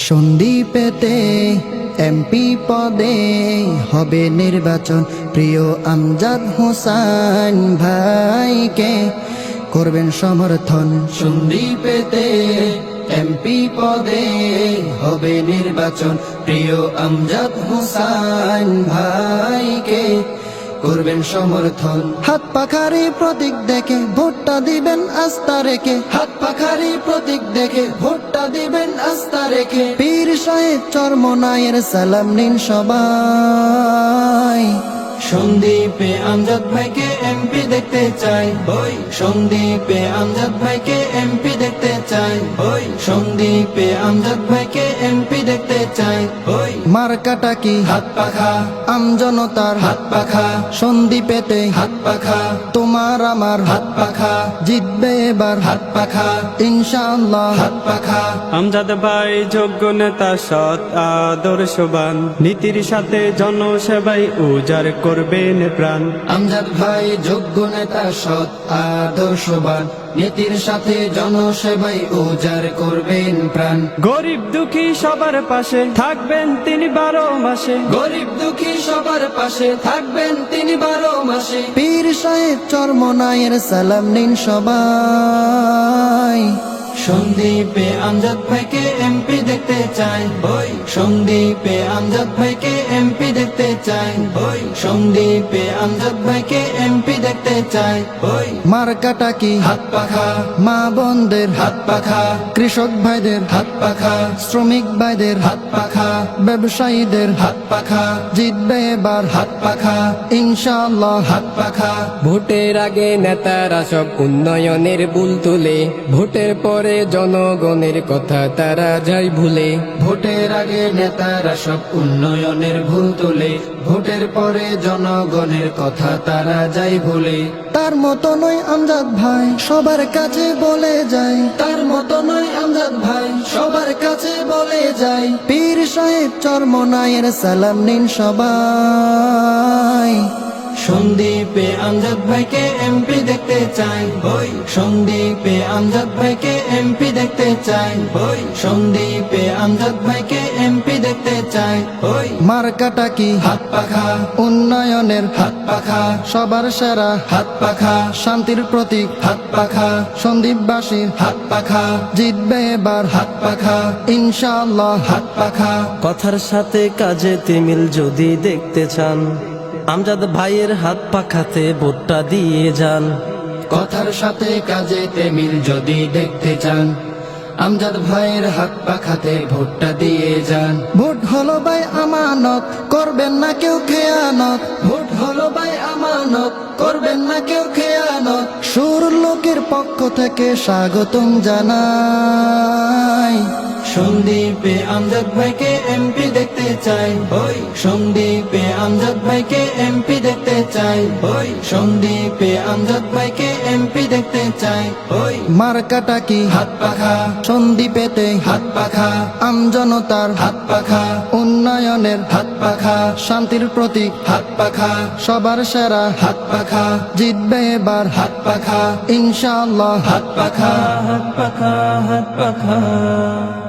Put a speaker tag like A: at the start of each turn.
A: সন্দ্বীপেতে MP পদে হবে নির্বাচন, প্রিয় আমজাদ হোসেন ভাইকে করবেন সমর্থন। সন্দ্বীপেতে এমপি পদে হবে নির্বাচন, প্রিয় আমজাদ হোসেন ভাইকে করবেন সমর্থন। হাত পাখারি প্রতীক দেখে ভোটটা দিবেন আস্থা রেখে, হাত পাখারি প্রতীক দেখে ভোটটা দিবেন আস্থা রেখে। পীর সাহেব চরমনায়ের সালাম নিন সবাই। সন্দ্বীপে আমজাদ ভাইকে এমপি দেখতে চাই, ওই সন্দ্বীপে আমজাদ ভাইকে এমপি দেখতে চাই, ওই সন্দ্বীপে আমজাদ ভাইকে এমপি দেখতে চাই। ওই মার্কাটা কি হাত পাখা, আমজনতার হাত পাখা, সন্দ্বীপেতে হাত পাখা, তোমার আমার হাত পাখা, জিতবে এবার হাত পাখা ইনশাআল্লাহ হাত পাখা।
B: আমজাদ ভাই যোগ্য নেতা, সৎ আদর্শবান, নীতির সাথে জনসেবাই উজাড় করবেন প্রাণ।
A: আমজাদ ভাই যোগ্য নেতা, সৎ আদর্শবান, নীতির সাথে জনসেবাই উজাড় করবেন প্রাণ।
B: গরিব দুঃখী সবার পাশে থাকবেন তিনি 12 মাসে,
A: গরিব দুঃখী সবার পাশে থাকবেন তিনি 12 মাসে। পীর সাহেব চরমনায়ের সালাম নিন সবাই। সন্দ্বীপে আমজাদ ভাইকে এমপি দেখতে চাই, ওই সন্দ্বীপে আমজাদ ভাইকে এমপি দেখতে চাই, ওই সন্দ্বীপে আমজাদ ভাইকে এমপি দেখতে চাই। ওই মার্কাটা কি হাত পাখা, মা বোনদের হাত পাখা, কৃষক ভাইদের হাত পাখা, শ্রমিক ভাইদের হাত পাখা, ব্যবসায়ীদের হাত পাখা, জিতবে এবার হাত পাখা ইনশাআল্লাহ হাত পাখা।
C: ভোটের আগে নেতারা সব উন্নয়নের বুল তুলে, ভোটের পরে জনগণের কথা তারা যায় ভুলে।
A: ভোটের আগে নেতারা সব উন্নয়নের ভুল তোলে, ভোটের পরে জনগণের কথা তারা যায় ভুলে। তার মতো নয় আমজাদ ভাই সবার কাছে বলে যায়, তার মতো নয় আমজাদ ভাই সবার কাছে বলে যায়। পীর সাহেব চরমনায়ের সালাম নিন সবাই। সন্দ্বীপে আমজাদ ভাইকে এমপি দেখতে চাই, ওই সন্দ্বীপে আমজাদ ভাইকে এমপি দেখতে চাই, ওই সন্দ্বীপে আমজাদ ভাইকে এমপি দেখতে চাই। ওই মার্কাটা কি হাত পাখা, উন্নয়নের হাত পাখা, সবার সেরা হাত পাখা, শান্তির প্রতীক হাত পাখা, সন্দ্বীপবাসীর হাত পাখা, জিতবে এবার হাত পাখা ইনশাআল্লাহ হাত পাখা।
D: কথার সাথে কাজেতে মিল যদি দেখতে চান, আমজাদ ভাইয়ের হাত পাখাতে ভোটটা দিয়ে যান।
A: কথার সাথে কাজেতে মিল যদি দেখতে চান, আমজাদ ভাইয়ের হাত পাখাতে ভোটটা দিয়ে যান। ভোট হলো ভাই আমানত, করবেন না কেউ খেয়ানত, ভোট হলো ভাই আমানত, করবেন না কেউ খেয়ানত। সুর লোকের পক্ষ থেকে স্বাগতম জানাই। সন্দ্বীপে আমজাদ ভাইকে এমপি দেখতে চাই, ওই সন্দ্বীপে আমজাদ ভাইকে এমপি দেখতে চাই, ওই সন্দ্বীপে আমজাদ ভাইকে এমপি দেখতে চাই। ওই মার্কাটা কি হাত পাখা, সন্দ্বীপেতে হাত পাখা, আমজনতার হাত পাখা, উন্নয়নের হাত পাখা, শান্তির প্রতীক হাত পাখা, সবার সেরা হাত পাখা, জিতবে এবার হাত পাখা ইনশাআল্লাহ হাত পাখা।
D: হাত পাখা, হাত পাখা।